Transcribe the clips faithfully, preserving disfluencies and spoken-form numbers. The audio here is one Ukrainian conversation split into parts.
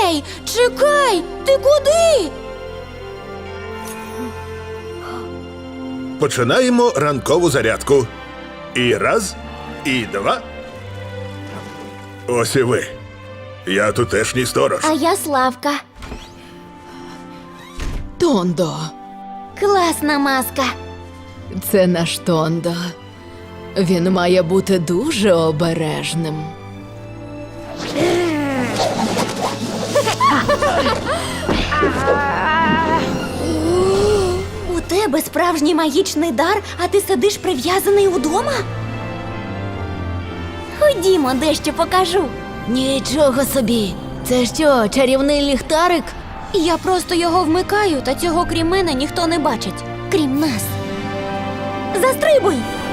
Ей, чекай! Ти куди? Починаємо ранкову зарядку. І раз, і два. Ось і ви. Я тутешній сторож. А я Славка. Тондо. Класна маска. Це наш Тондо. Він має бути дуже обережним. У тебе справжній магічний дар, а ти сидиш прив'язаний удома? Ходімо, дещо покажу. Нічого собі. Це що, чарівний ліхтарик? Я просто його вмикаю, та цього крім мене ніхто не бачить. Крім нас. Застрибуй!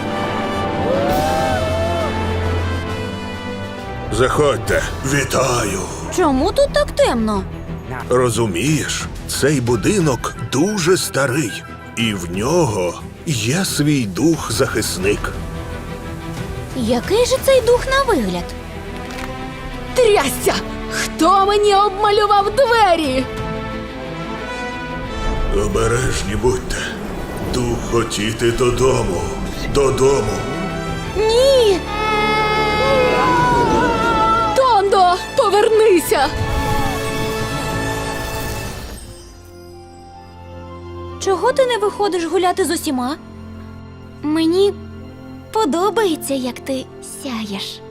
Заходьте. Вітаю. Чому тут так темно? Розумієш, цей будинок дуже старий. І в нього є свій дух-захисник. Який же цей дух на вигляд? Трясся! Хто мені обмалював двері? Обережні будьте. Дух хотіти додому. Додому. Ні! Тондо, повернися! Чого ти не виходиш гуляти з усіма? Мені подобається, як ти сяєш.